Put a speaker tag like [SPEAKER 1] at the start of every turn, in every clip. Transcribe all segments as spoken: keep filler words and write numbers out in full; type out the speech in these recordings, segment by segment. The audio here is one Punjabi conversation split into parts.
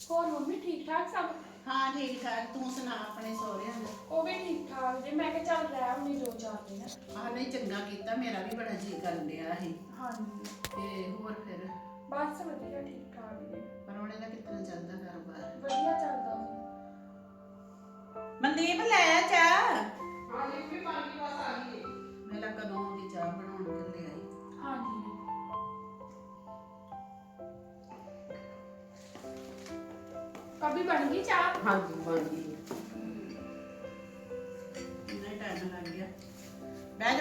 [SPEAKER 1] ਹੋਰ ਮੰਮੀ ਠੀਕ ਠਾਕ ਸਭ?
[SPEAKER 2] ਹਾਂ ਠੀਕ ਠਾਕ। ਤੂੰ ਸੁਣਾ ਆਪਣੇ ਸਹੁਰਿਆਂ ਦਾ?
[SPEAKER 1] ਉਹ ਵੀ ਠੀਕ ਠਾਕ ਜੇ। ਮੈਂ ਕਿਹਾ ਚੱਲ ਰਹਿ ਆਉਣੀ ਦੋ ਚਾਰ ਦਿਨ।
[SPEAKER 2] ਆਹ ਨਹੀਂ ਚੰਗਾ ਕੀਤਾ, ਮੇਰਾ ਵੀ ਬੜਾ ਜੀ ਕਰਨ ਡਿਆ ਸੀ।
[SPEAKER 1] ਹਾਂਜੀ
[SPEAKER 2] ਤੇ ਹੋਰ ਫਿਰ
[SPEAKER 1] ਬਸ ਵਧੀਆ ਠੀਕ ਠਾਕ ਜੀ।
[SPEAKER 2] ਪਰੌਣੇ ਦਾ ਕਿੱਦਾਂ ਚੱਲਦਾ ਕਾਰੋਬਾਰ?
[SPEAKER 1] ਵਧੀਆ ਚੱਲਦਾ ਜੀ।
[SPEAKER 2] ਮਨਦੀਪ ਲੈ ਆ ਚਾਹ।
[SPEAKER 3] ਹਾਂ ਜੀ ਵੀ ਪਾਣੀ ਬਸ ਆ ਗਈ ਹੈ।
[SPEAKER 2] ਮੇਰਾ ਕਦੋਂ ਦੀ ਚਾਹ ਬਣਾਉਣ ਕੇ ਲਿਆਈ।
[SPEAKER 1] ਹਾਂਜੀ ਕਭੀ ਬਣ ਗਈ ਚਾਹ?
[SPEAKER 3] ਹਾਂ ਜੀ ਬਣ ਗਈ ਹੈ।
[SPEAKER 2] ਇੰਨਾ ਟਾਈਮ ਲੱਗ ਗਿਆ। ਬਹਿ ਜਾ।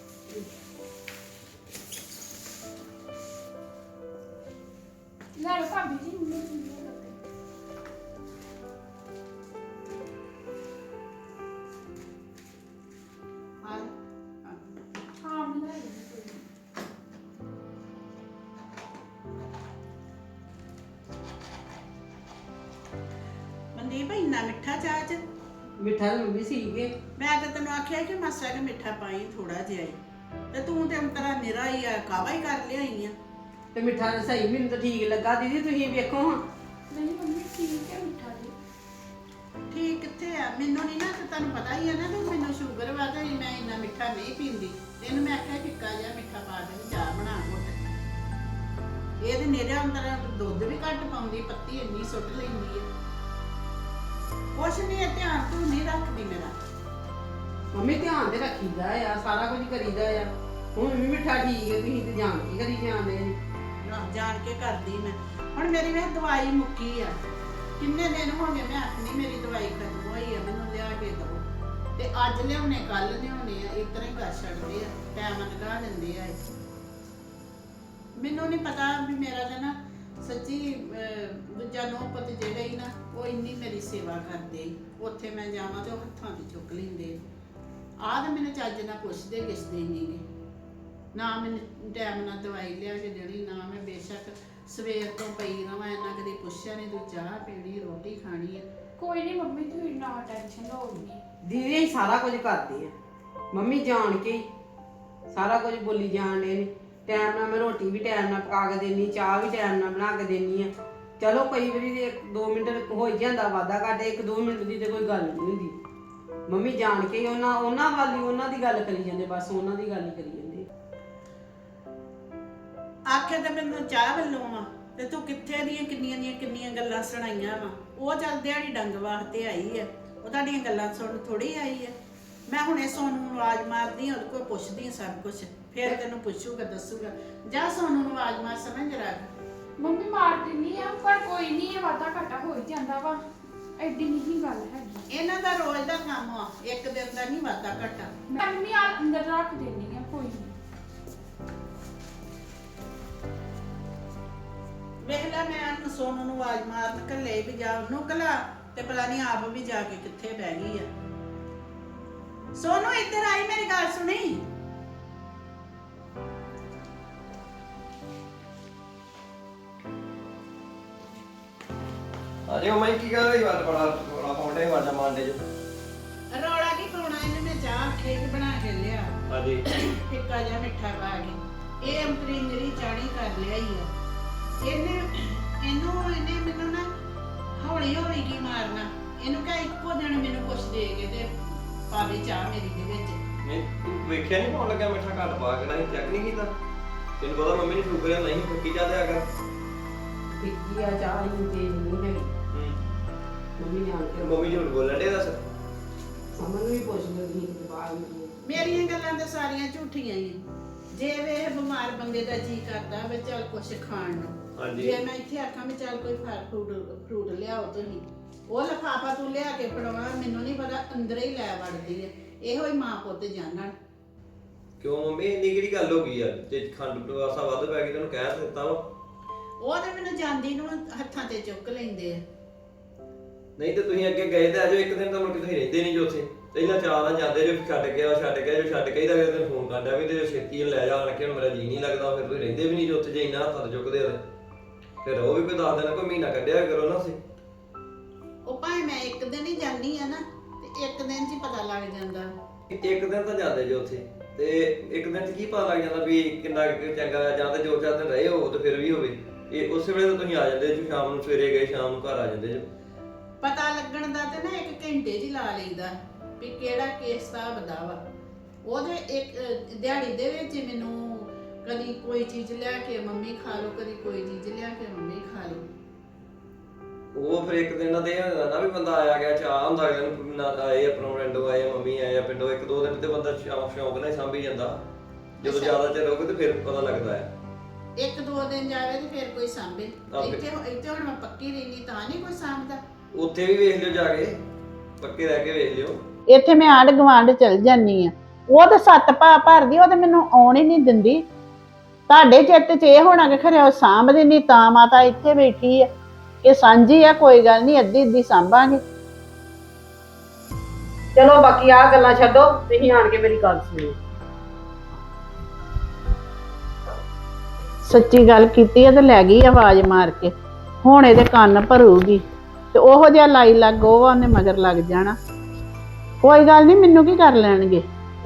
[SPEAKER 1] ਲੈ ਲਓ ਭਾਬੀ ਜੀ ਮੰਮੀ ਜੀ ਨੂੰ ਕਰਦੇ।
[SPEAKER 2] ਆ
[SPEAKER 1] ਹਾਂ ਮੈਂ ਲੈ ਲਈ ਕੋਈ ਨੀ।
[SPEAKER 2] ਮਨਦੀਪ ਇੰਨਾ ਮਿੱਠਾ ਚਾਹ ਚ?
[SPEAKER 3] ਮਿੱਠਾ ਤਾਂ ਮੰਮੀ ਸੀਗੇ।
[SPEAKER 2] ਮੈਂ ਤਾਂ ਤੈਨੂੰ ਆਖਿਆ ਕਿ ਮਾਸਾ ਕਿ ਮਿੱਠਾ ਪਾਈ ਥੋੜਾ ਜਿਹਾ ਹੀ। ਤੇ ਤੂੰ ਤੇ ਅੰਤਰਾ ਨਿਰਾ ਹੀ ਆ, ਕਾਵਾ ਹੀ ਕਰ ਲਿਆਈ ਆ।
[SPEAKER 3] ਤੇ ਮਿੱਠਾ ਤਾਂ ਸਹੀ ਮੈਨੂੰ ਤਾਂ ਠੀਕ ਲੱਗਾ। ਦੀਦੀ ਤੁਸੀਂ ਵੇਖੋ ਹਾਂ।
[SPEAKER 1] ਨਹੀਂ ਮੰਮੀ ਠੀਕ ਹੈ ਮਿੱਠਾ ਜੀ।
[SPEAKER 2] ਠੀਕ ਕਿੱਥੇ ਆ? ਮੈਨੂੰ ਨਹੀਂ ਨਾ, ਤੇ ਤੁਹਾਨੂੰ ਪਤਾ ਹੀ ਆ ਨਾ ਕਿ ਮੈਨੂੰ ਸ਼ੂਗਰ ਵਾ ਤੇ ਮੈਂ ਇੰਨਾ ਮਿੱਠਾ ਨਹੀਂ ਪੀਂਦੀ। ਤੈਨੂੰ ਮੈਂ ਆਖਿਆ ਫਿੱਕਾ ਜਿਹਾ ਮਿੱਠਾ ਪਾ ਕੇ ਚਾਹ ਬਣਾ ਘੁੱਟ। ਇਹ ਤੇ ਮੇਰੇ ਅੰਦਰ ਦੁੱਧ ਵੀ ਘੱਟ ਪਾਉਂਦੀ, ਪੱਤੀ ਇੰਨੀ ਸੁੱਟ ਲੈਂਦੀ ਹੈ। ਕੁਛ ਨਹੀਂ, ਇਹ ਧਿਆਨ ਤੂੰ ਨਹੀਂ ਰੱਖਦੀ ਮੇਰਾ।
[SPEAKER 3] ਮੰਮੀ ਧਿਆਨ ਤੇ ਰੱਖੀਦਾ ਆ, ਸਾਰਾ ਕੁਝ ਕਰੀਦਾ ਆ। ਹੁਣ ਵੀ ਮਿੱਠਾ ਠੀਕ ਹੈ, ਤੁਸੀਂ ਤੇ ਜਾਣ ਕੇ ਕਰੀ ਜਾਂਦੇ ਜੀ।
[SPEAKER 2] ਨਾ ਜਾਣ ਕੇ ਕਰਦੀ ਮੈਂ। ਹੁਣ ਮੇਰੀ ਵੇ ਦਵਾਈ ਮੁੱਕੀ ਆ। ਕਿੰਨੇ ਦਿਨ ਹੋ ਗਏ ਮੈਂ ਆਖਣੀ ਮੇਰੀ ਦਵਾਈ ਖਤਮ ਹੋਈ ਆ, ਮੈਨੂੰ ਲਿਆ ਕੇ ਦਿਓ। ਤੇ ਅੱਜ ਲਿਆਉਣੇ ਕੱਲ ਲਿਆਉਣੇ ਆ, ਇਸ ਤਰ੍ਹਾਂ ਹੀ ਕਰ ਛੱਡਦੇ ਆ, ਟਾਈਮ ਲਗਾ ਦਿੰਦੇ ਆ। ਮੈਨੂੰ ਨਹੀਂ ਪਤਾ ਵੀ ਮੇਰਾ ਤਾਂ ਨਾ ਸੱਚੀ ਅਹ, ਦੂਜਾ ਨੌ ਪੁੱਤ ਜਿਹੜੇ ਹੀ ਨਾ ਉਹ ਇੰਨੀ ਮੇਰੀ ਸੇਵਾ ਕਰਦੇ ਈ। ਉੱਥੇ ਮੈਂ ਜਾਵਾਂ ਤੇ ਉਹ ਹੱਥਾਂ ਤੇ ਚੁੱਕ ਲੈਂਦੇ। ਆਹ ਤੇ ਮੈਨੂੰ ਚੱਜ ਨਾਲ ਪੁੱਛਦੇ ਕਿਸਦੇ ਨਹੀਂਗੇ। ਨਾ ਮੈਨੂੰ ਟਾਈਮ ਨਾਲ ਦਵਾਈ ਲਿਆ ਕੇ ਦੇਣੀ, ਨਾ ਮੈਂ ਬੇਸ਼ੱਕ ਸਵੇਰ ਤੋਂ ਪਈ ਰਵਾਂ, ਇਹਨਾਂ ਕਦੇ ਪੁੱਛਿਆ ਨਹੀਂ ਤੂੰ ਚਾਹ ਪੀਣੀ ਰੋਟੀ ਖਾਣੀ ਹੈ।
[SPEAKER 1] ਕੋਈ ਨਹੀਂ ਮੰਮੀ ਤੁਸੀਂ ਨਾ ਟੈਨਸ਼ਨ ਲਓ ਨੀ।
[SPEAKER 3] ਦੀਦੀ ਅਸੀਂ ਸਾਰਾ ਕੁਝ ਕਰਦੇ ਆ। ਮੰਮੀ ਜਾਣ ਕੇ ਹੀ ਸਾਰਾ ਕੁਝ ਬੋਲੀ ਜਾਣ ਡੇ ਨੇ। ਟਾਈਮ ਨਾਲ ਮੈਂ ਰੋਟੀ ਵੀ ਟਾਈਮ ਨਾਲ ਪਕਾ ਕੇ ਦੇਣੀ, ਚਾਹ ਵੀ ਟਾਈਮ ਨਾਲ ਬਣਾ ਕੇ ਦੇਣੀ ਆ। ਚਲੋ ਕਈ ਵਾਰੀ ਤੇ ਇੱਕ ਦੋ ਮਿੰਟ ਹੋ ਹੀ ਜਾਂਦਾ ਵਾਧਾ ਘਾਟੇ, ਇੱਕ ਦੋ ਮਿੰਟ ਦੀ ਤੇ ਕੋਈ ਗੱਲ ਨਹੀਂ ਹੁੰਦੀ। ਮੰਮੀ ਜਾਣ ਕੇ ਹੀ ਉਹਨਾਂ ਉਹਨਾਂ ਵਾਲੀ ਉਹਨਾਂ ਦੀ ਗੱਲ ਕਰੀ ਜਾਂਦੇ, ਬਸ ਉਹਨਾਂ ਦੀ ਗੱਲ ਹੀ ਕਰੀ ਜਾਂਦੇ।
[SPEAKER 2] ਆਖੇ ਤਾਂ ਮੈਨੂੰ ਚਾਹ ਵੱਲੋਂ ਆ ਤੇ ਤੂੰ ਕਿੱਥੇ ਦੀਆਂ ਕਿੰਨੀਆਂ ਦੀਆਂ ਕਿੰਨੀਆਂ ਗੱਲਾਂ ਸੁਣਾਈਆਂ ਵਾ। ਉਹ ਚੱਲ ਦਿਹਾੜੀ ਡੰਗ ਵਾਸਤੇ ਆਈ ਆ, ਉਹ ਤੁਹਾਡੀਆਂ ਗੱਲਾਂ ਸੁਣ ਥੋੜੀ ਆਈ ਆ। ਮੈਂ ਹੁਣੇ ਸੋਨੂੰ ਨੂੰ ਆਵਾਜ਼ ਮਾਰਦੀ ਆ, ਉਹਦੇ ਕੋਲ ਪੁੱਛਦੀ ਆ ਸਭ ਕੁਝ, ਫਿਰ ਤੈਨੂੰ ਪੁੱਛੂਗਾ ਦੱਸੂਗਾ। ਜਾ ਸੋਨੂੰ ਨੂੰ ਆਵਾਜ਼ ਮਾਰ, ਸਮਝ ਰੱਖ।
[SPEAKER 1] ਮੰਮੀ ਮਾਰ ਦਿੰਨੀ ਆ, ਪਰ ਕੋਈ ਨਹੀਂ ਇਹ ਵਾਧਾ ਘਾਟਾ ਹੋ ਹੀ ਜਾਂਦਾ ਵਾ। ਐਡੀ ਨਹੀਂ ਗੱਲ ਹੈਗੀ।
[SPEAKER 2] ਇਹਨਾਂ ਦਾ ਰੋਜ਼ ਦਾ ਕੰਮ ਆ, ਇੱਕ ਦਿਨ ਦਾ ਨਹੀਂ ਵਾਧਾ ਘਟਾ।
[SPEAKER 1] ਮੈਂ ਮੰਮੀ ਆ ਅੰਦਰ ਰੱਖ ਦੇਣੀ ਆ, ਕੋਈ ਨਹੀਂ।
[SPEAKER 2] ਵੇਖ ਲੈ ਮੈਂ ਸੋਨੂੰ ਨੂੰ ਆਵਾਜ਼ ਮਾਰਨ ਘੱਲੇ ਵੀ ਜਾ ਉਹਨੂੰ ਘਲਾ ਤੇ ਪਤਾ ਨਹੀਂ ਆਪ ਵੀ ਜਾ ਕੇ ਕਿੱਥੇ ਬਹਿ ਗਈ ਆ। ਸੋਨੂੰ ਇੱਧਰ ਆਈ, ਮੇਰੀ ਗੱਲ ਸੁਣੀ।
[SPEAKER 4] ਅਰੇ ਉਹ ਮੈਂ ਕੀ ਕਰ ਰਹੀ ਵਾਰ ਬੜਾ ਬੜਾ ਪੌਂਡੇ ਵਾਜਾ ਮਾਰਦੇ ਜੋ।
[SPEAKER 2] ਰੌਲਾ ਕੀ ਪਾਉਣਾ, ਇਹਨੇ ਮੈਂ ਚਾਹ ਖੇਕ ਬਣਾ ਕੇ ਲਿਆ,
[SPEAKER 4] ਹਾਂਜੀ
[SPEAKER 2] ਫਿੱਕਾ ਜਿਹਾ ਮਿੱਠਾ ਪਾ ਕੇ। ਇਹ ਅੰਤਰੀ ਮੇਰੀ ਚਾਣੀ ਕਰ ਲਿਆ ਹੀ ਆ। ਇਹਨੇ ਇਹਨੂੰ ਇਹਨੇ ਮੈਨੂੰ ਨਾ ਹੌਲੀ ਹੌਲੀ ਕੀ ਮਾਰਨਾ। ਇਹਨੂੰ ਕਹ ਇੱਕੋ ਦਿਨ ਮੈਨੂੰ ਕੁਛ ਦੇ ਕੇ ਤੇ ਪਾਵੇ ਚਾਹ ਮੇਰੀ ਦੇ ਵਿੱਚ।
[SPEAKER 4] ਨਹੀਂ ਤੂੰ ਵੇਖਿਆ ਨਹੀਂ ਪਾਉਣ ਲੱਗਿਆ ਮਿੱਠਾ ਘੱਟ ਪਾ ਕੇ ਨਹੀਂ ਚੈੱਕ ਨਹੀਂ ਕੀਤਾ। ਤੈਨੂੰ ਪਤਾ ਮੰਮੀ ਨੇ ਸ਼ੂਗਰ ਹੈ, ਨਹੀਂ ਫੱਕੀ ਜਾ ਦਿਆ ਕਰ।
[SPEAKER 3] ਫਿੱਕੀ ਆ ਚਾਹ ਹੀ ਤੇਜ਼ ਨਹੀਂ ਹੈਗੀ।
[SPEAKER 4] ਹੂੰ
[SPEAKER 3] ਮੰਮੀ ਨੇ ਆਣ ਕੇ
[SPEAKER 4] ਮੰਮੀ ਝੂਠ ਬੋਲਣ ਦੇ ਦੱਸ।
[SPEAKER 3] ਸਮਝ ਨੂੰ ਵੀ ਪੁੱਛ ਲੈਂਦੀ ਕਿ ਬਾਹਰ ਨਹੀਂ।
[SPEAKER 2] ਮੇਰੀਆਂ ਗੱਲਾਂ ਤਾਂ ਸਾਰੀਆਂ ਝੂਠੀਆਂ ਹੀ ਆ। ਜੇ ਵੇ ਬਿਮਾਰ ਬੰਦੇ ਦਾ ਜੀ ਕਰਦਾ ਵੀ ਚੱਲ ਕੁਛ ਖਾਣ ਨੂੰ,
[SPEAKER 4] ਹਾਂਜੀ
[SPEAKER 2] ਜੇ ਮੈਂ ਇੱਥੇ ਆਖਾਂ ਵੀ ਚੱਲ ਕੋਈ ਫਲ ਫਰੂਟ ਫਰੂਟ ਲਿਆਓ ਤੁਸੀਂ, ਉਹ ਲਿਫਾਫਾ ਤੂੰ ਲਿਆ ਕੇ ਫੜਾਉਣਾ, ਮੈਨੂੰ ਨਹੀਂ ਪਤਾ ਅੰਦਰ ਹੀ ਲੈ ਵੜਦੀ ਹੈ। ਇਹੋ ਹੀ ਮਾਂ ਪੁੱਤ ਜਾਣਨ।
[SPEAKER 4] ਕਿਉਂ ਮੰਮੀ ਇੰਨੀ ਕਿਹੜੀ ਗੱਲ ਹੋ ਗਈ ਯਾਰ? ਜੇ ਖੰਡ ਪਵਾਸਾ ਵੱਧ ਪੈ ਗਈ ਤੈਨੂੰ ਕਹਿ ਦਿੱਤਾ ਵਾ।
[SPEAKER 2] ਉਹ ਤੇ ਮੈਨੂੰ ਜਾਂਦੀ ਨੂੰ ਹੱਥਾਂ ਤੇ ਚੁੱਕ ਲੈਂਦੇ ਆ।
[SPEAKER 4] ਨਹੀਂ ਤੇ ਤੁਸੀਂ ਅੱਗੇ ਗਏ ਤੇ ਆਜੋ, ਇੱਕ ਦਿਨ ਤਾਂ ਮੁੜ ਕੇ ਤੁਸੀਂ ਰਹਿੰਦੇ ਨਹੀਂ ਜੋ ਉੱਥੇ। ਪਹਿਲਾਂ ਚਾਹ ਨਾਲ ਜਾਂਦੇ ਜੋ, ਛੱਡ ਗਿਆ ਛੱਡ ਗਿਆ ਜੋ ਛੱਡ ਕੇ ਇਹਦਾ ਫਿਰ ਤੈਨੂੰ ਫੋਨ ਕਰਦਾ ਵੀ ਤੇ ਛੇਤੀ ਲੈ ਜਾ ਆਣ ਕੇ, ਹੁਣ ਮੇਰਾ ਜੀ ਨਹੀਂ ਲੱਗਦਾ। ਫਿਰ ਤੁਸੀਂ ਰਹਿੰਦੇ ਵੀ ਨਹੀਂ ਜੋ ਉੱਥੇ, ਜੇ ਇੰਨਾ ਹੱਥਾਂ ਤੇ ਚੁੱਕਦੇ ਆ। ਫਿਰ ਉਹ ਵੀ ਕੋਈ ਦੱਸ ਦੇਣਾ, ਕੋਈ ਮਹੀਨਾ ਕੱਢਿਆ ਕਰੋ ਨਾ ਤੁਸੀਂ।
[SPEAKER 2] ਉਹ ਭਾਵੇਂ ਮੈਂ ਇੱਕ ਦਿਨ ਹੀ ਜਾਂਦੀ ਆ ਨਾ, ਤੇ ਇੱਕ ਦਿਨ 'ਚ ਹੀ ਪਤਾ ਲੱਗ ਜਾਂਦਾ।
[SPEAKER 4] ਇੱਕ ਦਿਨ ਤਾਂ ਜਾਂਦੇ ਜੋ ਉੱਥੇ, ਤੇ ਇੱਕ ਦਿਨ 'ਚ ਕੀ ਪਤਾ ਲੱਗ ਜਾਂਦਾ ਵੀ ਕਿੰਨਾ ਕੁ ਚੰਗਾ, ਜਾਂ ਤਾਂ ਜੋ ਚਾਰ ਦਿਨ ਰਹੇ ਹੋ ਤੇ ਫਿਰ ਵੀ ਹੋਵੇ। ਇਹ ਉਸੇ ਵੇਲੇ ਤਾਂ ਤੁਸੀਂ ਆ ਜਾਂਦੇ ਜੋ ਸ਼ਾਮ ਨੂੰ ਸਵੇਰੇ ਗਏ ਸ਼ਾਮ ਨੂੰ ਘਰ ਆ ਜਾਂਦੇ ਜੋ।
[SPEAKER 2] ਪਤਾ ਲੱਗਣ ਦਾ ਤੇ ਨਾ ਇੱਕ ਘੰਟੇ 'ਚ ਹੀ ਲਾ ਲਈਦਾ ਵੀ ਕਿਹੜਾ ਕਿਸ ਹਿਸਾਬ ਦਾ ਵਾ। ਉਹਦੇ ਇੱਕ ਅਹ, ਦਿਹਾੜੀ ਦੇ ਵਿੱਚ ਹੀ ਮੈਨੂੰ ਕਦੀ ਕੋਈ ਚੀਜ਼ ਲਿਆ ਕੇ ਮੰਮੀ ਖਾ ਲਓ, ਕਦੀ ਕੋਈ ਚੀਜ਼ ਲਿਆ ਕੇ ਮੰਮੀ ਖਾ ਲਓ।
[SPEAKER 4] ਉਹ ਫਿਰ ਇੱਕ ਦਿਨ ਤੇ ਇਹ ਹੁੰਦਾ ਨਾ ਵੀ ਬੰਦਾ ਆਇਆ ਗਿਆ ਚਾਹ ਹੁੰਦਾ ਅਗਲੇ ਨੂੰ ਨਾ ਆਏ ਆਪਣਾ ਰੈਂਡੋ ਆਏ ਮੰਮੀ ਆਏ ਆ ਪਿੰਡੋਂ, ਇੱਕ ਦੋ ਦਿਨ ਤੇ ਬੰਦਾ ਸ਼ੌਂਕ ਸ਼ੌਂਕ ਨਾਲ ਹੀ ਸਾਂਭੀ ਜਾਂਦਾ। ਜਦੋਂ ਜ਼ਿਆਦਾ ਚਿਰ ਰਹੋਗੇ ਤੇ ਫਿਰ ਪਤਾ ਲੱਗਦਾ ਹੈ।
[SPEAKER 2] ਇੱਕ ਦੋ ਦਿਨ ਜਾਵੇ ਤੇ ਫਿਰ ਕੋਈ ਸਾਂਭੇ।
[SPEAKER 4] ਆਹ ਫਿਰ-
[SPEAKER 2] ਇੱਥੇ ਇੱਥੇ ਹੁਣ ਮੈਂ ਪੱਕੀ ਰਹਿੰਦੀ ਤਾਂ ਨਹੀਂ ਕੋਈ ਸਾਂਭਦਾ।
[SPEAKER 4] ਉੱਥੇ ਵੀ ਵੇਖ ਲਿਓ ਜਾ ਕੇ, ਪੱਕੇ ਰਹਿ ਕੇ ਵੇਖ ਲਿਓ।
[SPEAKER 2] ਇੱਥੇ ਮੈਂ ਆਂਢ ਗੁਆਂਢ ਚਲ ਜਾਨੀ ਆ, ਉਹ ਤੇ ਸੱਤ ਭਾ ਭਰਦੀ, ਉਹ ਤੇ ਮੈਨੂੰ ਆਉਣ ਹੀ ਨਹੀਂ ਦਿੰਦੀ। ਤੁਹਾਡੇ ਚਿੱਤ 'ਚ ਇਹ ਹੋਣਾ ਕਿ ਖਰੇ ਉਹ ਸਾਂਭਦੀ ਨਹੀਂ ਤਾਂ ਮਾਤਾ ਇੱਥੇ ਬੈਠੀ ਆ। ਇਹ ਸਾਂਝੀ ਆ, ਕੋਈ ਗੱਲ ਨਹੀਂ, ਅੱਧੀ ਅੱਧੀ ਸਾਂਭਾਂਗੇ।
[SPEAKER 3] ਚਲੋ ਬਾਕੀ ਆਹ ਗੱਲਾਂ ਛੱਡੋ, ਤੁਸੀਂ ਆਣ ਕੇ ਮੇਰੀ ਗੱਲ ਸੁਣੋ।
[SPEAKER 2] ਸੱਚੀ ਗੱਲ ਕੀਤੀ ਆ ਤੇ ਲੈ ਗਈ ਆਵਾਜ਼ ਮਾਰ ਕੇ। ਹੁਣ ਇਹਦੇ ਕੰਨ ਭਰੂਗੀ ਤੇ ਉਹੋ ਜਿਹਾ ਲਾਈ ਲੱਗ ਉਹ ਉਹਨੇ ਮਗਰ ਲੱਗ ਜਾਣਾ। ਕੋਈ ਗੱਲ ਨਹੀਂ, ਮੈਨੂੰ ਕੀ ਕਰ ਲੈਣਗੇ।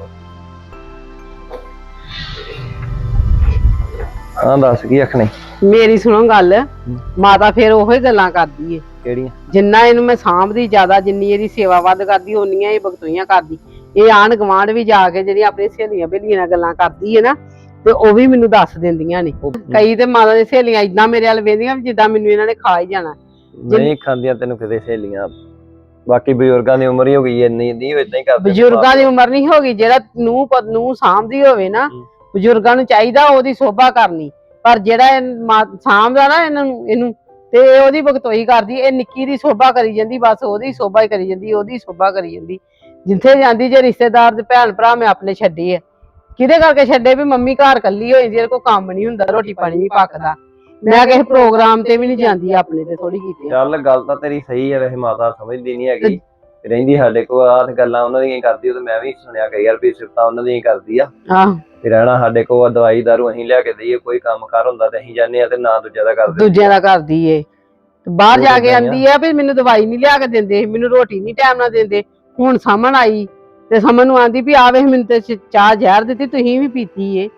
[SPEAKER 4] ਹਾਂ ਦੱਸ ਕੀ ਆਖਣੇ?
[SPEAKER 3] ਮੇਰੀ ਸੁਣੋ ਗੱਲ, ਮਾਤਾ ਫਿਰ ਉਹੋ ਹੀ ਗੱਲਾਂ ਕਰਦੀ ਏ।
[SPEAKER 4] ਕਿਹੜੀਆਂ?
[SPEAKER 3] ਜਿੰਨਾ ਇਹਨੂੰ ਮੈਂ ਸਾਂਭਦੀ ਜ਼ਿਆਦਾ, ਜਿੰਨੀ ਇਹਦੀ ਸੇਵਾ ਵੱਧ ਕਰਦੀ ਓਨੀਆਂ ਇਹ ਬਗਤੋਈਆਂ ਕਰਦੀ। ਇਹ ਆਂਢ ਗੁਆਂਢ ਵੀ ਜਾ ਕੇ ਜਿਹੜੀ ਆਪਣੀ ਸਹੇਲੀਆਂ ਬੇਲੀਆਂ ਨਾਲ ਗੱਲਾਂ ਕਰਦੀ ਹੈ ਨਾ, ਤੇ ਉਹ ਵੀ ਮੈਨੂੰ ਦੱਸ ਦਿੰਦੀਆਂ ਨੇ। ਕਈ ਤੇ ਮਾਤਾ ਦੀ ਸਹੇਲੀਆਂ ਇਦਾਂ ਮੇਰੇ ਵੱਲ ਵੇਂਦੀਆਂ ਜਿੱਦਾਂ ਮੈਨੂੰ ਇਹਨਾਂ ਨੇ ਖਾ ਹੀ ਜਾਣਾ।
[SPEAKER 4] ਨਹੀਂ ਖਾਂਦੀਆਂ ਤੈਨੂੰ ਕਿਤੇ ਸਹੇਲੀਆਂ। ਬਾਕੀ ਬਜ਼ੁਰਗਾਂ ਦੀ ਉਮਰ ਹੀ ਹੋ ਗਈ ਐ, ਇੰਨੀ ਨਹੀਂ ਇਦਾਂ ਹੀ ਕਰਦੇ।
[SPEAKER 3] ਬਜ਼ੁਰਗਾਂ ਦੀ ਉਮਰ ਨਹੀਂ ਹੋ ਗਈ, ਜਿਹੜਾ ਨੂੰ ਪਤ ਨੂੰ ਸਾਂਭਦੀ ਹੋਵੇ ਨਾ, ਬਜ਼ੁਰਗਾਂ ਨੂੰ ਚਾਹੀਦਾ ਉਹਦੀ ਸੋਭਾ ਕਰਨੀ। ਪਰ ਜਿਹੜਾ ਇਹ ਮਾ- ਸਾਂਭਦਾ ਨਾ ਇਹਨਾਂ ਨੂੰ ਇਹਨੂੰ, ਤੇ ਇਹ ਉਹਦੀ ਬਗਤੋਈ ਕਰਦੀ। ਇਹ ਨਿੱਕੀ ਦੀ ਸੋਭਾ ਕਰੀ ਜਾਂਦੀ, ਬਸ ਉਹਦੀ ਸੋਭਾ ਹੀ ਕਰੀ ਜਾਂਦੀ, ਉਹਦੀ ਸੋਭਾ ਕਰੀ ਜਾਂਦੀ। ਜਿੱਥੇ ਜਾਂਦੀ ਜੇ ਰਿਸ਼ਤੇਦਾਰ ਦੇ ਭੈਣ ਭਰਾ ਮੈਂ ਆਪਣੇ ਛੱਡੇ ਆ, ਕਿਹਦੇ ਕਰਕੇ ਛੱਡੇ ਵੀ ਮੰਮੀ ਘਰ ਕੱਲੀ ਹੋਈ ਜਿਹਦੇ ਕੋਲ ਕੰਮ ਨਹੀਂ ਹੁੰਦਾ, ਰੋਟੀ ਪਾਣੀ ਨਹੀਂ ਪੱਕਦਾ। ਮੈਂ ਕਿਸੇ ਪ੍ਰੋਗਰਾਮ ਤੇ ਵੀ ਨਹੀਂ ਜਾਂਦੀ, ਆਪਣੇ ਤੇ ਥੋੜੀ ਕੀਤੀ।
[SPEAKER 4] ਚੱਲ ਗੱਲ ਤਾਂ ਤੇਰੀ ਸਹੀ ਹੈ, ਵੈਸੇ ਮਾਤਾ ਸਮਝਦੀ ਨਹੀਂ ਹੈਗੀ, ਰਹਿੰਦੀ ਸਾਡੇ ਕੋਲ ਆਹ ਗੱਲਾਂ ਉਹਨਾਂ ਦੀਆਂ ਹੀ ਕਰਦੀ। ਉਹ ਤੇ ਮੈਂ ਵੀ ਸੁਣਿਆ ਕਈ ਵਾਰ ਵੀ ਸਿਫਤਾਂ ਉਹਨਾਂ ਦੀਆਂ ਹੀ ਕਰਦੀ ਆ।
[SPEAKER 3] ਆਹ
[SPEAKER 4] ਤੇ ਰਹਿਣਾ ਸਾਡੇ ਕੋਲ ਦਵਾਈ ਦਾਰੂ ਅਸੀਂ ਲਿਆ ਕੇ ਦਈਏ, ਕੋਈ ਕੰਮ ਕਾਰ ਹੁੰਦਾ ਤੇ ਅਸੀਂ ਜਾਂਦੇ ਆ ਤੇ ਨਾ ਦੂਜਿਆਂ ਦਾ ਕਰਦੇ।
[SPEAKER 3] ਦੂਜਿਆਂ ਦਾ ਕਰਦੀ ਏ, ਬਾਹਰ ਜਾ ਕੇ ਆਂਦੀ ਆ ਵੀ ਮੈਨੂੰ ਦਵਾਈ ਨਹੀਂ ਲਿਆ ਕੇ ਦਿੰਦੇ, ਮੈਨੂੰ ਰੋਟੀ ਨਹੀਂ ਟਾਈਮ ਨਾਲ ਦਿੰਦੇ। ਹੁਣ ਸਮਣ ਆਈ ਤੇ ਸਮਣ ਨੂੰ ਆਂਦੀ ਵੀ ਆ ਵੇਖ ਮੈਨੂੰ ਤੇ ਚਾਹ ਜ਼ਹਿਰ ਦਿੱਤੀ, ਤੁਸੀਂ ਵੀ ਪੀਤੀ ਏ।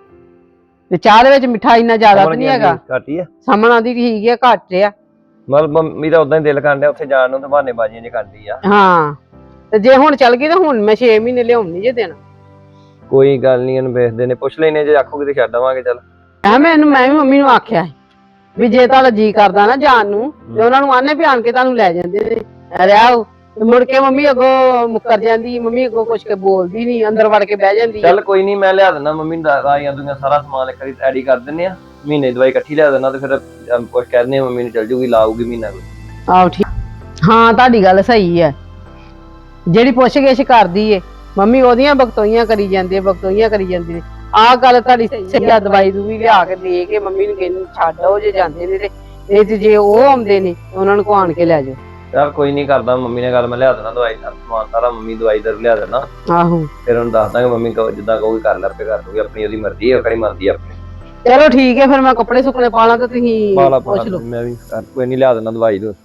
[SPEAKER 3] ਤੇ ਚਾਹ ਦੇ ਵਿੱਚ ਮਿੱਠਾ ਇੰਨਾ ਜ਼ਿਆਦਾ ਤਾਂ ਨਹੀਂ ਹੈਗਾ।
[SPEAKER 4] ਘੱਟ ਹੀ ਆ।
[SPEAKER 3] ਸਮਣ ਆਂਦੀ ਠੀਕ ਹੈ, ਘੱਟ ਆ।
[SPEAKER 4] ਮਤਲਬ ਮੰਮੀ ਦਾ ਉਦਾਂ ਹੀ ਦਿਲ ਕਰਨ ਡਿਆ ਉੱਥੇ ਜਾਣ ਨੂੰ, ਤੇ ਬਹਾਨੇ ਬਾਜ਼ੀਆਂ ਜੇ ਕਰਦੀ ਆ।
[SPEAKER 3] ਹਾਂ, ਤੇ ਜੇ ਹੁਣ ਚੱਲ ਗਈ ਤਾਂ ਹੁਣ ਮੈਂ ਛੇ ਮਹੀਨੇ ਲਿਆਉਣ ਨਹੀਂ ਜੇ ਦੇਣਾ।
[SPEAKER 4] ਕੋਈ ਗੱਲ ਨਹੀਂ, ਇਹਨੂੰ ਵੇਖਦੇ ਨੇ, ਪੁੱਛ ਲੈਨੇ, ਜੇ ਆਖੋਗੇ ਤੇ ਛੱਡ ਆਵਾਂਗੇ। ਚੱਲ
[SPEAKER 3] ਮੈਂ ਮੈਨੂੰ ਮੈਂ ਵੀ ਮੰਮੀ ਨੂੰ ਆਖਿਆ ਵੀ ਜੇ ਤੁਹਾਡਾ ਜੀ ਕਰਦਾ ਨਾ ਜਾਣ ਨੂੰ, ਤੇ ਉਹਨਾਂ ਨੂੰ ਆਨੇ ਵੀ ਆਣ ਕੇ ਤੁਹਾਨੂੰ ਲੈ ਜਾਂਦੇ ਨੇ, ਰਹਿਓ। ਮੁੜ ਕੇ ਮੰਮੀ ਅੱਗੋਂ ਮੁੱਕਰ ਜਾਂਦੀ, ਮੰਮੀ ਅੱਗੋਂ ਕੁਛ ਕੇ ਬੋਲਦੀ ਨਹੀਂ, ਅੰਦਰ ਵੜ ਕੇ ਬਹਿ ਜਾਂਦੀ।
[SPEAKER 4] ਚੱਲ ਕੋਈ ਨਹੀਂ, ਮੈਂ ਲਿਆ ਦਿੰਦਾ ਮੰਮੀ ਨੂੰ ਦਵਾਈਆਂ ਦੁਈਆਂ ਸਾਰਾ ਸਮਾਨ ਇੱਕ ਵਾਰੀ ਰੈਡੀ ਕਰ ਦਿੰਨੇ ਆ। ਮਹੀਨੇ ਦੀ ਦਵਾਈ ਇਕੱਠੀ ਲਿਆ ਦਿੰਦਾ, ਤੇ ਫਿਰ ਕੁਛ ਕਹਿ ਦਿੰਦੇ ਮੰਮੀ ਨੂੰ ਚੱਲ ਜੂਗੀ, ਲਾਊਗੀ ਮਹੀਨਾ ਕੋਈ।
[SPEAKER 3] ਆਹੋ ਠੀਕ, ਹਾਂ ਤੁਹਾਡੀ ਗੱਲ ਸਹੀ ਹੈ। ਜਿਹੜੀ ਪੁੱਛ ਗਿੱਛ ਕਰਦੀ ਏ ਮੰਮੀ, ਉਹਦੀਆਂ ਬਗਤੋਈਆਂ ਕਰੀ ਜਾਂਦੀ, ਬਗਤੋਈਆਂ ਕਰੀ ਜਾਂਦੀ ਨੇ। ਆਹ ਗੱਲ ਤੁਹਾਡੀ ਸਹੀ ਆ, ਦਵਾਈ ਦੂਈ ਲਿਆ ਕੇ ਦੇ ਕੇ ਮੰਮੀ ਨੂੰ ਕਹਿੰਦੀ ਛੱਡ ਆਓ ਜੇ ਜਾਂਦੇ ਨੇ। ਤੇ ਇਹ ਤੇ ਜੇ ਉਹ ਆਉਂਦੇ ਨੇ ਉਹਨਾਂ ਨੂੰ ਆਣ ਕੇ ਲੈ ਜਾਓ।
[SPEAKER 4] ਚੱਲ ਕੋਈ ਨਹੀਂ, ਕਰਦਾ ਮੰਮੀ ਨੇ ਗੱਲ, ਮੈਂ ਲਿਆ ਦੇਣਾ ਦਵਾਈ ਦਾ ਸਮਾਨ ਸਾਰਾ, ਮੰਮੀ ਦਵਾਈ ਦਰ ਲਿਆ ਦੇਣਾ।
[SPEAKER 3] ਆਹੋ
[SPEAKER 4] ਫਿਰ ਉਹਨੂੰ ਦੱਸ ਦਾਂਗੇ, ਮੰਮੀ ਕਹੋ ਜਿੱਦਾਂ ਕਹੋਗੇ ਕਰ ਲੈ, ਆਪੇ ਕਰ ਦੂਗੀ, ਆਪਣੀ ਉਹਦੀ ਮਰਜ਼ੀ ਹੈ, ਕਿਹੜੀ ਮਰਜ਼ੀ ਆਪਣੀ।
[SPEAKER 3] ਚਲੋ ਠੀਕ ਹੈ, ਫਿਰ ਮੈਂ ਕੱਪੜੇ ਸੁੱਕਣੇ ਪਾ ਲਾਂ ਤੇ ਤੁਸੀਂ ਪੁੱਛ ਲਓ।
[SPEAKER 4] ਮੈਂ ਵੀ ਕੋਈ ਨਹੀਂ ਲਿਆ ਦੇਣਾ ਦਵਾਈ ਦੋ।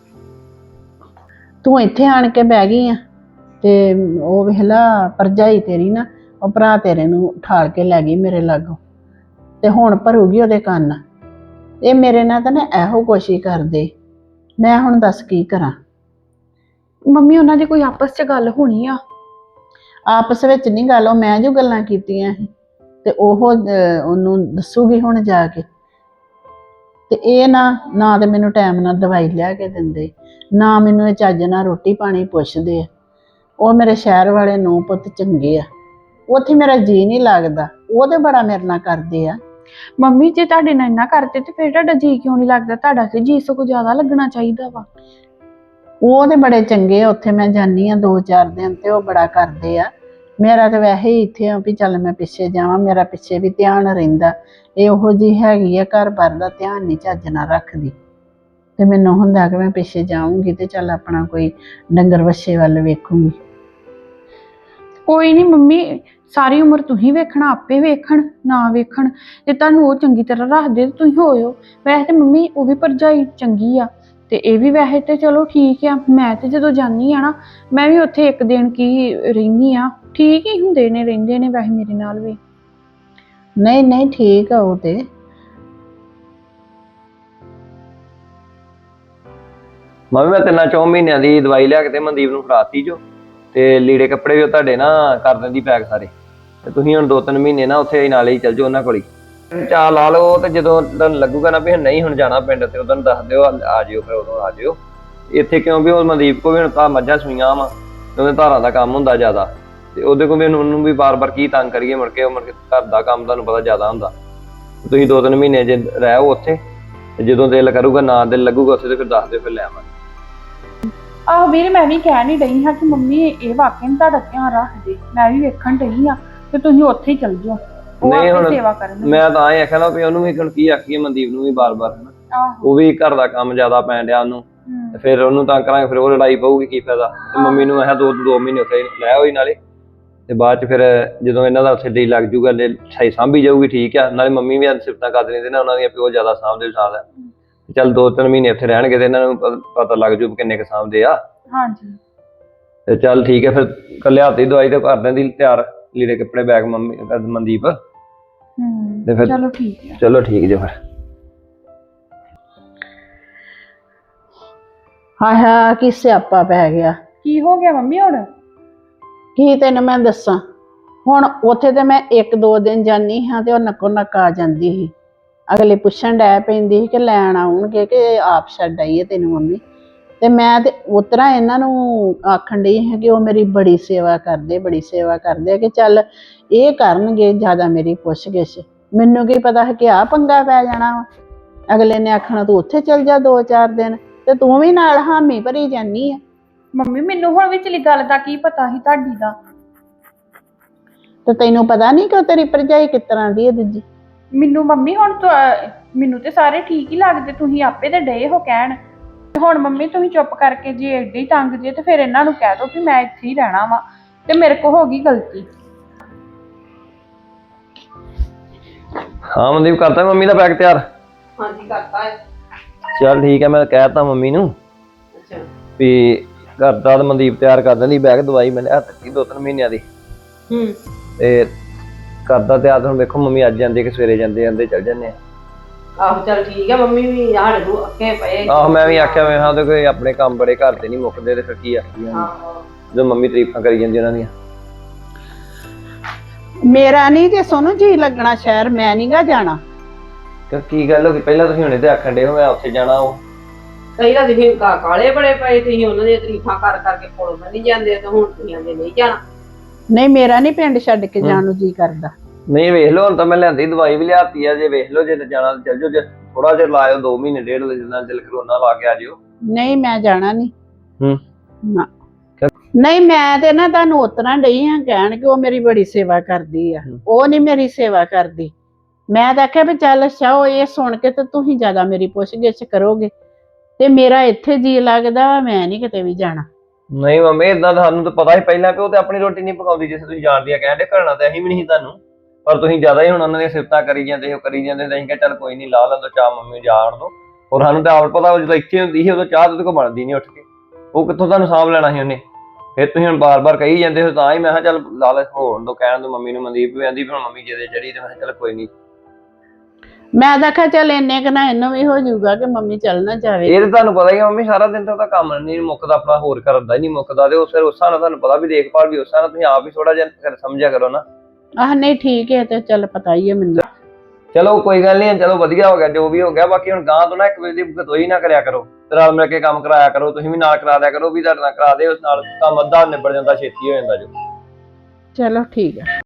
[SPEAKER 2] ਤੂੰ ਇੱਥੇ ਆਣ ਕੇ ਬਹਿ ਗਈ ਆ ਤੇ ਉਹ ਵੇਖਲਾ ਭਰਜਾਈ ਤੇਰੀ ਨਾ, ਉਹ ਭਰਾ ਤੇਰੇ ਨੂੰ ਠਾਲ ਕੇ ਲੈ ਗਈ ਮੇਰੇ ਲਾਗੋਂ, ਤੇ ਹੁਣ ਭਰੂਗੀ ਉਹਦੇ ਕੰਨ। ਇਹ ਮੇਰੇ ਨਾਲ ਤਾਂ ਨਾ ਇਹੋ ਕੋਸ਼ਿਸ਼ ਕਰਦੇ। ਮੈਂ ਹੁਣ ਦੱਸ ਕੀ ਕਰਾਂ।
[SPEAKER 1] ਮੰਮੀ ਉਹਨਾਂ ਦੀ ਕੋਈ ਆਪਸ 'ਚ ਗੱਲ ਹੋਣੀ ਆ।
[SPEAKER 2] ਆਪਸ ਵਿੱਚ ਨਹੀਂ ਗੱਲ, ਉਹ ਮੈਂ ਜੋ ਗੱਲਾਂ ਕੀਤੀਆਂ ਸੀ ਤੇ ਉਹ ਅਹ, ਉਹਨੂੰ ਦੱਸੂਗੀ ਹੁਣ ਜਾ ਕੇ। ਤੇ ਇਹ ਨਾ ਨਾ ਤੇ ਮੈਨੂੰ ਟਾਈਮ ਨਾਲ ਦਵਾਈ ਲਿਆ ਕੇ ਦਿੰਦੇ, ਨਾ ਮੈਨੂੰ ਇਹ ਚੱਜ ਨਾਲ ਰੋਟੀ ਪਾਣੀ ਪੁੱਛਦੇ ਆ। ਉਹ ਮੇਰੇ ਸ਼ਹਿਰ ਵਾਲੇ ਨੂੰ ਪੁੱਤ ਚੰਗੇ ਆ, ਉੱਥੇ ਮੇਰਾ ਜੀ ਨਹੀਂ ਲੱਗਦਾ। ਉਹ ਤੇ ਬੜਾ ਮੇਰੇ ਨਾਲ ਕਰਦੇ ਆ।
[SPEAKER 1] ਮੰਮੀ ਜੇ ਤੁਹਾਡੇ ਨਾਲ ਇੰਨਾ ਕਰਦੇ ਤੇ ਫਿਰ ਤੁਹਾਡਾ ਜੀ ਕਿਉਂ ਨਹੀਂ ਲੱਗਦਾ? ਤੁਹਾਡਾ ਤੇ ਜੀ ਸਗੋਂ ਜ਼ਿਆਦਾ ਲੱਗਣਾ ਚਾਹੀਦਾ ਵਾ।
[SPEAKER 2] ਉਹ ਤੇ ਬੜੇ ਚੰਗੇ ਆ, ਉੱਥੇ ਮੈਂ ਜਾਂਦੀ ਆ ਦੋ ਚਾਰ ਦਿਨ ਤੇ ਉਹ ਬੜਾ ਕਰਦੇ ਆ। ਮੇਰਾ ਤਾਂ ਵੈਸੇ ਹੀ ਇੱਥੇ ਆ ਵੀ ਚੱਲ ਮੈਂ ਪਿੱਛੇ ਜਾਵਾਂ, ਮੇਰਾ ਪਿੱਛੇ ਵੀ ਧਿਆਨ ਰਹਿੰਦਾ। ਇਹ ਉਹੋ ਜਿਹੀ ਹੈਗੀ ਆ, ਘਰ ਬਾਰ ਦਾ ਧਿਆਨ ਨਹੀਂ ਚੱਜ ਨਾਲ ਰੱਖਦੀ। ਤੇ ਮੈਨੂੰ ਹੁੰਦਾ ਕਿ ਮੈਂ ਪਿੱਛੇ ਜਾਊਂਗੀ ਤੇ ਚੱਲ ਆਪਣਾ ਕੋਈ ਡੰਗਰ ਵੱਛੇ ਵੱਲ ਵੇਖੂੰਗੀ।
[SPEAKER 1] ਕੋਈ ਨਹੀਂ ਮੰਮੀ, ਸਾਰੀ ਉਮਰ ਤੁਸੀਂ ਵੇਖਣਾ, ਆਪੇ ਵੇਖਣ ਨਾ ਵੇਖਣ। ਜੇ ਤੁਹਾਨੂੰ ਉਹ ਚੰਗੀ ਤਰ੍ਹਾਂ ਰੱਖਦੇ ਤੇ ਤੁਸੀਂ ਹੋਇਓ। ਵੈਸੇ ਤੇ ਮੰਮੀ ਉਹ ਵੀ ਭਰਜਾਈ ਚੰਗੀ ਆ, ਤੇ ਇਹ ਵੀ ਵੈਸੇ ਤੇ ਚਲੋ ਠੀਕ ਆ। ਮੈਂ ਤੇ ਜਦੋਂ ਜਾਂਦੀ ਆ ਨਾ, ਮੈਂ ਵੀ ਉੱਥੇ ਇੱਕ ਦਿਨ ਕੀ ਰਹਿੰਦੀ ਆ, ਠੀਕ ਹੀ ਹੁੰਦੇ ਨੇ, ਰਹਿੰਦੇ ਨੇ ਵੈਸੇ ਮੇਰੇ ਨਾਲ ਵੀ।
[SPEAKER 2] ਨਹੀਂ ਨਹੀਂ ਠੀਕ ਆ ਉਹ ਤੇ,
[SPEAKER 4] ਮੈਂ ਵੀ ਮੈਂ ਤਿੰਨਾਂ ਚੌਂ ਮਹੀਨਿਆਂ ਦੀ ਦਵਾਈ ਲਿਆ ਕੇ ਤੇ ਮਨਦੀਪ ਨੂੰ ਫੜਾਤੀ ਜੋ, ਤੇ ਲੀੜੇ ਕੱਪੜੇ ਵੀ ਉਹ ਤੁਹਾਡੇ ਨਾ ਕਰ ਦਿੰਦੀ ਪੈਕ ਸਾਰੇ। ਤੇ ਤੁਸੀਂ ਹੁਣ ਦੋ ਤਿੰਨ ਮਹੀਨੇ ਨਾ ਉੱਥੇ ਨਾਲੇ ਹੀ ਚੱਲ ਜਾਓ ਉਹਨਾਂ ਕੋਲ ਹੀ, ਚਾਹ ਲਾ ਲਓ। ਤੇ ਜਦੋਂ ਤੁਹਾਨੂੰ ਲੱਗੂਗਾ ਨਾ ਵੀ ਨਹੀਂ ਹੁਣ ਜਾਣਾ ਪਿੰਡ, ਤੇ ਉਦੋਂ ਦੱਸ ਦਿਓ, ਆ ਜਿਓ, ਫਿਰ ਉਦੋਂ ਆ ਜਿਓ ਇੱਥੇ। ਕਿਉਂ ਵੀ ਉਹ ਮਨਦੀਪ ਕੋਲ ਵੀ ਹੁਣ ਤਾਂ ਮੱਝਾਂ ਸੂਈਆਂ ਵਾ, ਉਹਦੇ ਧਾਰਾਂ ਦਾ ਕੰਮ ਹੁੰਦਾ ਜ਼ਿਆਦਾ, ਤੇ ਉਹਦੇ ਕੋਲ ਵੀ ਉਹਨੂੰ ਵੀ ਬਾਰ-ਬਾਰ ਕੀ ਤੰਗ ਕਰੀਏ, ਮੁੜ ਕੇ ਉਹ ਮੁੜ ਕੇ ਘਰ ਦਾ ਕੰਮ ਤੁਹਾਨੂੰ ਪਤਾ ਜ਼ਿਆਦਾ ਹੁੰਦਾ। ਤੁਸੀਂ ਦੋ ਤਿੰਨ ਮਹੀਨੇ ਜੇ ਰਹਿਓ ਉੱਥੇ, ਤੇ ਜਦੋਂ ਦਿਲ ਕਰੂਗਾ, ਨਾ ਦਿਲ ਲੱਗੂਗਾ ਉੱਥੇ, ਤੇ ਫਿਰ ਦੱਸ ਦਿਓ, ਫਿਰ ਲੈ ਆਵਾਂਗੇ।
[SPEAKER 1] ਆਹੋ ਵੀਰੇ, ਮੈਂ ਵੀ ਕਹਿ ਨਹੀਂ ਰਹੀ ਹਾਂ ਕਿ ਮੰਮੀ ਇਹ ਵਾਕਿਆ ਨੀ ਤੁਹਾਡਾ ਧਿਆਨ ਰੱਖਦੇ, ਮੈਂ ਵੀ ਵੇਖਣ ਡਈ ਆ ਤੇ ਤੁਸੀਂ ਉੱਥੇ ਹੀ ਚੱਲ ਜਾਓ, ਉਹ
[SPEAKER 4] ਨਹੀਂ
[SPEAKER 1] ਆਪੇ
[SPEAKER 4] ਹੁਣ
[SPEAKER 1] ਸੇਵਾ ਕਰਨ।
[SPEAKER 4] ਮੈਂ ਤਾਂ ਇਹ ਆਖਿਆ ਨਾ ਵੀ ਉਹਨੂੰ ਵੀ ਹੁਣ ਕੀ ਆਖੀਏ, ਮਨਦੀਪ ਨੂੰ ਵੀ ਬਾਰ-ਬਾਰ ਹਨਾ,
[SPEAKER 1] ਆਹੋ
[SPEAKER 4] ਉਹ ਵੀ ਘਰ ਦਾ ਕੰਮ ਜ਼ਿਆਦਾ ਪੈਣ ਡਿਆ ਉਹਨੂੰ, ਤੇ ਫਿਰ ਉਹਨੂੰ ਤਾਂ ਕਰਾਂਗੇ, ਫਿਰ ਉਹ ਲੜਾਈ ਪਊਗੀ, ਕੀ ਫਾਇਦਾ। ਤੇ ਮੰਮੀ ਨੂੰ ਮੈਂ ਦੋ ਦੋ ਮਹੀਨੇ ਉੱਥੇ ਲੈ ਹੋਈ ਨਾਲੇ, ਤੇ ਬਾਅਦ ਚ ਫਿਰ ਜਦੋਂ ਇਹਨਾਂ ਦਾ ਉੱਥੇ ਦਿਲ ਲੱਗ ਜੂਗਾ, ਸਹੀ ਸਾਂਭੀ ਜਾਊਗੀ, ਠੀਕ ਆ। ਨਾਲੇ ਮੰਮੀ ਵੀ ਸਿਫਤਾਂ ਕਰ ਦਿੰਦੇ ਨਾ ਉਹਨਾਂ ਦੀਆਂ, ਪਿਓ ਜ਼ਿਆਦਾ ਸਾਂਭਦੇ ਸਾਲ ਹੈ। ਚੱਲ ਦੋ ਤਿੰਨ ਮਹੀਨੇ ਉੱਥੇ ਰਹਿਣਗੇ ਤੇ ਇਹਨਾਂ ਨੂੰ ਪਤਾ ਲੱਗ ਜੂ ਕਿੰਨੇ ਕੁ ਸਾਂਭਦੇ ਆ।
[SPEAKER 1] ਹਾਂਜੀ
[SPEAKER 4] ਤੇ ਚੱਲ ਠੀਕ ਹੈ, ਫਿਰ ਕੱਲੇ ਹੱਥ ਦੀ ਦਵਾਈ ਤੇ ਕਰ ਦਿੰਦੀ ਤਿਆਰ, ਲੀੜੇ ਕੱਪੜੇ ਬੈਗ ਮੰਮੀ ਮਨਦੀਪ।
[SPEAKER 1] ਹੂੰ
[SPEAKER 4] ਤੇ ਫਿਰ
[SPEAKER 1] ਚਲੋ ਠੀਕ ਹੈ।
[SPEAKER 4] ਚਲੋ ਠੀਕ ਜੇ ਫਿਰ।
[SPEAKER 2] ਹਾਂ ਹਾਂ, ਕੀ ਸਿਆਪਾ ਪੈ ਗਿਆ।
[SPEAKER 1] ਕੀ ਹੋ ਗਿਆ ਮੰਮੀ ਹੁਣ?
[SPEAKER 2] ਕੀ ਤੈਨੂੰ ਮੈਂ ਦੱਸਾਂ, ਹੁਣ ਉੱਥੇ ਤੇ ਮੈਂ ਇੱਕ ਦੋ ਦਿਨ ਜਾਨੀ ਹਾਂ ਤੇ ਉਹ ਨੱਕੋ ਨੱਕ ਆ ਜਾਂਦੀ ਸੀ। ਅਗਲੇ ਪੁੱਛਣ ਡੈ ਪੈਂਦੀ ਸੀ ਕਿ ਲੈਣ ਆਉਣਗੇ ਕਿ ਆਪ ਛੱਡ ਆਈਏ ਤੈਨੂੰ ਮੰਮੀ। ਤੇ ਮੈਂ ਤੇ ਉਤਰਾ ਇਹਨਾਂ ਨੂੰ ਆਖਣ ਡਈ ਹਾਂ ਕਿ ਉਹ ਮੇਰੀ ਬੜੀ ਸੇਵਾ ਕਰਦੇ, ਬੜੀ ਸੇਵਾ ਕਰਦੇ, ਕਿ ਚੱਲ ਇਹ ਕਰਨਗੇ ਜ਼ਿਆਦਾ ਮੇਰੀ ਪੁੱਛ ਗਿੱਛ। ਮੈਨੂੰ ਕੀ ਪਤਾ ਹੈ ਕਿ ਆਹ ਪੰਗਾ ਪੈ ਜਾਣਾ ਵਾ। ਅਗਲੇ ਨੇ ਆਖਣਾ ਤੂੰ ਉੱਥੇ ਚੱਲ ਜਾ ਦੋ ਚਾਰ ਦਿਨ, ਤੇ ਤੂੰ ਵੀ ਨਾਲ ਹਾਮੀ ਭਰੀ ਜਾਨੀ ਆ।
[SPEAKER 1] ਮੰਮੀ ਮੈਨੂੰ ਹੁਣ ਵਿਚਲੀ ਗੱਲ ਦਾ ਕੀ ਪਤਾ ਸੀ ਤੁਹਾਡੀ ਦਾ?
[SPEAKER 2] ਤੇ ਤੈਨੂੰ ਪਤਾ ਨਹੀਂ ਕਿ ਉਹ ਤੇਰੀ ਭਰਜਾਈ ਕਿਸ ਤਰ੍ਹਾਂ ਦੀ ਹੈ ਦੂਜੀ?
[SPEAKER 1] ਮੈਨੂੰ ਮੰਮੀ ਹੁਣ ਤੁਹਾ- ਮੈਨੂੰ ਤੇ ਸਾਰੇ ਠੀਕ ਹੀ ਲੱਗਦੇ, ਤੁਸੀਂ ਆਪੇ ਤੇ ਡਏ ਹੋ ਕਹਿਣ। ਹੁਣ ਮੰਮੀ ਤੁਸੀਂ ਚੁੱਪ ਕਰਕੇ ਜੇ ਏਡੇ ਹੀ ਤੰਗ ਜੇ, ਤੇ ਫਿਰ ਇਹਨਾਂ ਨੂੰ ਕਹਿ ਦਿਓ ਕਿ ਮੈਂ ਇੱਥੇ ਹੀ ਰਹਿਣਾ ਵਾ, ਤੇ ਮੇਰੇ ਕੋ ਹੋ ਗਈ ਗਲਤੀ।
[SPEAKER 4] ਹਾਂ ਮਨਦੀਪ, ਕਰਤਾ ਮੰਮੀ ਦਾ ਬੈਗ ਤਿਆਰ?
[SPEAKER 3] ਹਾਂਜੀ ਕਰਤਾ ਹੈ।
[SPEAKER 4] ਚੱਲ ਠੀਕ ਹੈ, ਮੈਂ ਕਹਿਤਾ ਮੰਮੀ ਨੂੰ
[SPEAKER 3] ਅੱਛਾ
[SPEAKER 4] ਵੀ ਕਰਤਾ, ਤੇ ਮਨਦੀਪ ਤਿਆਰ ਕਰ ਦਿੰਦੀ ਬੈਗ। ਦਵਾਈ ਮੈਂ ਲਿਆ ਦਿੱਤੀ ਦੋ ਤਿੰਨ ਮਹੀਨਿਆਂ ਦੀ,
[SPEAKER 3] ਹੂੰ
[SPEAKER 4] ਤੇ ਕਰਦਾ ਤਿਆਰ। ਹੁਣ ਵੇਖੋ ਮੰਮੀ ਅੱਜ ਜਾਂਦੇ ਕਿ ਸਵੇਰੇ ਜਾਂਦੇ ਜਾਂਦੇ ਚੱਲ ਜਾਂਦੇ ਆ।
[SPEAKER 3] ਆਹੋ ਚੱਲ ਠੀਕ ਹੈ, ਮੰਮੀ ਵੀ ਸਾਡੇ ਨੂੰ ਅੱਕੇ ਪਏ।
[SPEAKER 4] ਆਹੋ ਮੈਂ ਵੀ ਆਖਿਆ ਮੈਂ ਹਾਂ ਤੇ ਕੋਈ ਆਪਣੇ ਕੰਮ ਬੜੇ ਘਰ ਦੇ ਨਹੀਂ ਮੁੱਕਦੇ, ਤੇ ਫਿਰ ਕੀ ਆਖੀ
[SPEAKER 3] ਆਹੋ
[SPEAKER 4] ਜਦੋਂ ਮੰਮੀ ਤਾਰੀਫਾਂ ਕਰੀ ਜਾਂਦੀ ਉਹਨਾਂ ਦੀਆਂ।
[SPEAKER 2] ਮੇਰਾ ਨਹੀਂ ਜੇ ਸੋਨੂੰ ਜੀ ਲੱਗਣਾ ਸ਼ਹਿਰ, ਮੈਂ ਨੀ ਗਾ ਜਾਣਾ।
[SPEAKER 4] ਕਿ ਕੀ ਗੱਲ ਹੋ ਗਈ? ਪਹਿਲਾਂ ਤੁਸੀਂ ਹੁਣੇ ਤੇ ਆਖਣ ਡੇ ਹੋ ਮੈਂ ਉੱਥੇ ਜਾਣਾ। ਉਹ
[SPEAKER 3] ਕਈ ਵਾਰ ਤੁਸੀਂ ਕਾ ਕਾਲੇ ਬੜੇ ਪਏ, ਤੁਸੀਂ ਉਹਨਾਂ ਦੀਆਂ ਤਾਰੀਫਾਂ ਕਰ ਕਰਕੇ ਕੋਲ ਨਹੀਂ ਜਾਂਦੇ, ਤੇ ਹੁਣ ਤੁਸੀਂ ਆਂਦੇ ਨਹੀਂ ਜਾਣਾ।
[SPEAKER 2] ਨਹੀਂ, ਮੇਰਾ ਨਹੀਂ ਪਿੰਡ ਛੱਡ ਕੇ ਜਾਣ ਨੂੰ ਜੀ ਕਰਦਾ।
[SPEAKER 4] ਨਹੀਂ ਵੇਖ ਲਓ, ਹੁਣ ਤਾਂ ਮੈਂ ਲਿਆਂਦੀ ਦਵਾਈ ਵੀ ਲਿਆਤੀ ਆ। ਜੇ ਵੇਖ ਲਓ ਜੇ ਜਾਣਾ ਚੱਲ ਜਾਓ, ਜੇ ਥੋੜਾ ਜਿਹਾ ਲਾਇਓ ਦੋ ਮਹੀਨੇ ਡੇਢ ਜਿੰਨਾ ਦਿਲ ਕਰੋਨਾ ਲਾ ਕੇ ਆ ਜਿਓ।
[SPEAKER 2] ਨਹੀਂ ਮੈਂ ਜਾਣਾ ਨਹੀਂ।
[SPEAKER 4] ਹੂੰ
[SPEAKER 2] ਨਾ ਨਹੀਂ, ਮੈਂ ਤੇ ਨਾ ਤੁਹਾਨੂੰ ਉਤਰਾਂ ਡਈ ਹਾਂ ਕਹਿਣ ਕਿ ਉਹ ਮੇਰੀ ਬੜੀ ਸੇਵਾ ਕਰਦੀ ਆ। ਉਹ ਨਹੀਂ ਮੇਰੀ ਸੇਵਾ ਕਰਦੀ। ਮੈਂ ਤਾਂ ਆਖਿਆ ਵੀ ਚੱਲ ਅੱਛਾ, ਉਹ ਇਹ ਸੁਣ ਕੇ ਤੇ ਤੁਸੀਂ ਜ਼ਿਆਦਾ ਮੇਰੀ ਪੁੱਛ ਗਿੱਛ ਕਰੋਗੇ, ਤੇ ਮੇਰਾ ਇੱਥੇ ਜੀ ਲੱਗਦਾ, ਮੈਂ ਨਹੀਂ ਕਿਤੇ ਵੀ ਜਾਣਾ।
[SPEAKER 4] ਨਹੀਂ ਮੰਮੀ, ਇਦਾਂ ਤੁਹਾਨੂੰ ਤਾਂ ਪਤਾ ਹੀ ਪਹਿਲਾਂ ਕਿ ਉਹ ਤੇ ਆਪਣੀ ਰੋਟੀ ਨਹੀਂ ਪਕਾਉਂਦੀ, ਜਿਸ ਤੁਸੀਂ ਜਾਣਦੀ ਆ। ਕਹਿੰਦੇ ਘਰਣਾ ਤੇ ਅਸੀਂ ਵੀ ਨਹੀਂ ਤੁਹਾਨੂੰ, ਪਰ ਤੁਸੀਂ ਜ਼ਿਆਦਾ ਹੀ ਹੁਣ ਉਹਨਾਂ ਦੀਆਂ ਸਿਫਤਾਂ ਕਰੀ ਜਾਂਦੇ ਹੋ ਕਰੀ ਜਾਂਦੇ ਤੇ ਅਸੀਂ ਕਿਹਾ ਚੱਲ ਕੋਈ ਨਹੀਂ, ਲਾ ਲੈਂਦੋ ਚਾਹ ਮੰਮੀ ਨੂੰ ਜਾਣ ਦੋ। ਔਰ ਸਾਨੂੰ ਤਾਂ ਆਪ ਪਤਾ, ਉਹ ਜਦੋਂ ਇੱਥੇ ਹੁੰਦੀ ਸੀ ਉਦੋਂ ਚਾਹ ਉਹਦੇ ਕੋਲ ਬਣਦੀ ਨਹੀਂ ਉੱਠ ਕੇ, ਉਹ ਕਿੱਥੋਂ ਤੁਹਾਨੂੰ ਸਾਂਭ ਲੈਣਾ ਸੀ ਉਹਨੇ। ਫਿਰ ਤੁਸੀਂ ਹੁਣ ਬਾਰ-ਬਾਰ ਕਹੀ ਜਾਂਦੇ ਹੋ, ਤਾਂ ਹੀ ਮੈਂ ਕਿਹਾ ਚੱਲ ਲਾ ਲੈ ਹੋਣ ਦੋ, ਕਹਿਣ ਦੋ ਮੰਮੀ ਨੂੰ। ਮਨਦੀਪ ਵੀ ਆਂਦੀ ਵੀ ਹੁਣ ਮੰਮੀ ਜਿਹਦੇ ਚੜੀ, ਤੇ ਮੈਂ ਕਿਹਾ ਚੱਲ ਕੋਈ ਨਹੀਂ।
[SPEAKER 2] ਮੈਂ ਤਾਂ ਆਖਿਆ ਚੱਲ ਇੰਨੇ ਕੁ ਨਾ ਇਹਨੂੰ ਵੀ ਹੋ ਜਾਊਗਾ ਕਿ ਮੰਮੀ ਚੱਲ ਨਾ ਜਾਵੇ।
[SPEAKER 4] ਇਹ ਤਾਂ ਤੁਹਾਨੂੰ ਪਤਾ ਹੀ ਆ ਮੰਮੀ, ਸਾਰਾ ਦਿਨ ਤਾਂ ਉਹਦਾ ਕੰਮ ਨਹੀਂ ਮੁੱਕਦਾ, ਆਪਣਾ ਹੋਰ ਕਰਨ ਦਾ ਹੀ ਨਹੀਂ ਮੁੱਕਦਾ। ਤੇ ਉਹ ਫਿਰ ਉਸ ਹਿਸਾਬ ਨਾਲ ਤੁਹਾਨੂੰ ਪਤਾ ਵੀ ਦੇਖਭਾਲ ਵੀ ਉਸ ਹਿਸਾਬ ਨਾਲ ਤੁਸੀਂ ਆਪ ਹੀ ਥੋੜਾ ਜਿਹਾ ਸਮਝਿਆ ਕਰੋ ਨਾ।
[SPEAKER 2] ਆਹ ਨਹੀਂ ਠੀਕ ਹੈ, ਤੇ ਚੱਲ ਪਤਾ ਹੀ ਹੈ ਮੈਨੂੰ।
[SPEAKER 4] ਚਲੋ ਕੋਈ ਗੱਲ ਨਹੀਂ, ਚਲੋ ਵਧੀਆ ਹੋ ਗਿਆ ਜੋ ਵੀ ਹੋ ਗਿਆ। ਬਾਕੀ ਹੁਣ ਗਾਂ ਤੋਂ ਨਾ ਇੱਕ ਵਜੇ ਦੀ ਗਤੋਈ ਨਾ ਕਰਿਆ ਕਰੋ, ਤੇ ਨਾਲ ਮਿਲ ਕੇ ਕੰਮ ਕਰਾਇਆ ਕਰੋ। ਤੁਸੀਂ ਵੀ ਨਾਲ ਕਰਾ ਦਿਆ ਕਰੋ, ਵੀ ਤੁਹਾਡੇ ਨਾਲ ਕਰਾ ਦੇ, ਉਸ ਨਾਲ ਕੰਮ ਅੱਧਾ ਨਿਬੜ ਜਾਂਦਾ, ਛੇਤੀ ਹੋ ਜਾਂਦਾ ਜੋ।
[SPEAKER 2] ਚਲੋ ਠੀਕ ਹੈ।